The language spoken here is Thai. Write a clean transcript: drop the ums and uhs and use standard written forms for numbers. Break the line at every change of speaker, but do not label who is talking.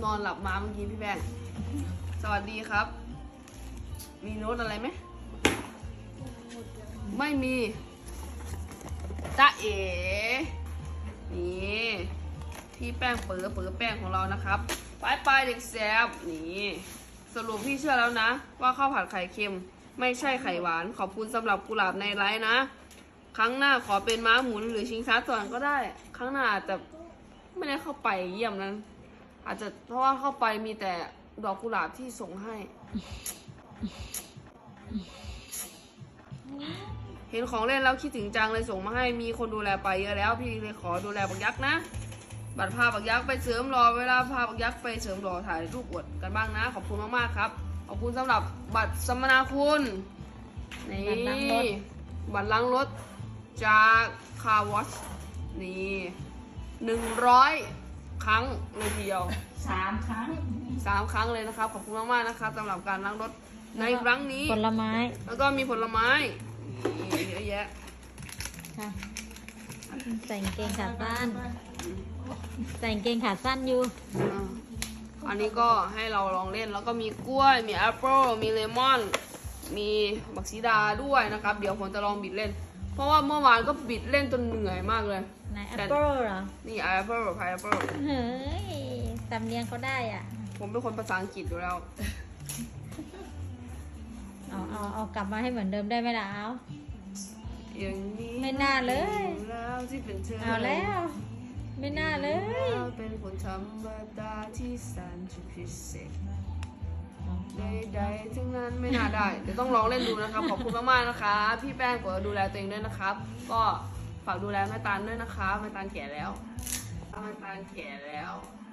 อนหลับมาเมื่อกี้พี่แป้งสวัสดีครับมีโน้ตอะไรไหมไม่มีจ๊ะเอ๋นี่พี่แป้งเป๋อแป้งของเรานะครับปลายเด็กแซบนี่สรุปพี่เชื่อแล้วนะว่าข้าวผัดไข่เค็มไม่ใช่ไข่หวานขอบคุณสำหรับกุหลาบในไลฟ์นะครั้งหน้าขอเป็นม้าหมุนหรือชิงช้าสวรรค์ก็ได้ครั้งหน้าอาจจะไม่ได้เข้าไปเยี่ยมนั้นอาจจะเพราะว่าเข้าไปมีแต่ดอกกุหลาบที่ส่งให้เห็นของเล่นแล้วคิดถึงจังเลยส่งมาให้มีคนดูแลไปเยอะแล้วพี่เลยขอดูแลบักยักษ์นะบัตรพาบักยักษ์ไปเสริมหล่อเวลาพาบักยักษ์ไปเสริมหล่อถ่ายรูปอวดกันบ้างนะขอบคุณมากๆครับขอบคุณสำหรับบัตรสัมมนาคุณนี่บัตรล้างรถจากคาร์วอชนี่100 ครั้งเลยทีเดียว
3 ครั้ง
3 ครั้งเลยนะครับขอบคุณมากๆนะครับสำหรับการล้างรถในครั้งนี้
ผลไม้
แล้วก็มีผลไม้นี่เยอะแยะ
ค่ะใส่กางเกงขาสั้นใส่กางเกงขาสั้นอยู่
อันนี้ก็ให้เราลองเล่นแล้วก็มีกล้วยมีแอปเปิลมีเลมอนมีบักซีดาด้วยนะครับเดี๋ยวผมจะลองบิดเล่นเพราะว่าเมื่อวานก็บิดเล่นจนเหนื่อยมากเลย
ไหนแอปเปิลเหรอ
นี่แอปเปิลพายแอปเปิล
เฮ้ยสำเนียงเขาได้อ่ะ
ผมเป็นคนภาษาอังกฤษอยู่แล้ว
เอากลับมาให้เหมือนเดิมได้ไหมล่ะเอา
อย่างนี้
ไม่น่าเลย
แล้วที่เป็นเธอ
เอาแล้วไม่น่าเลย
เป็นคนธรรมดาที่แสนจะพิเศษใดๆทั้งนั้นไม่น่าได้เดี๋ยวต้องลองเล่นดูนะครับขอบคุณมากๆนะคะพี่แป้งก็ดูแลตัวเองด้วยนะครับก็ฝากดูแลแม่ตาลด้วยนะคะแม่ตาลแก่แล้วแม่ตาลแก่แล้ว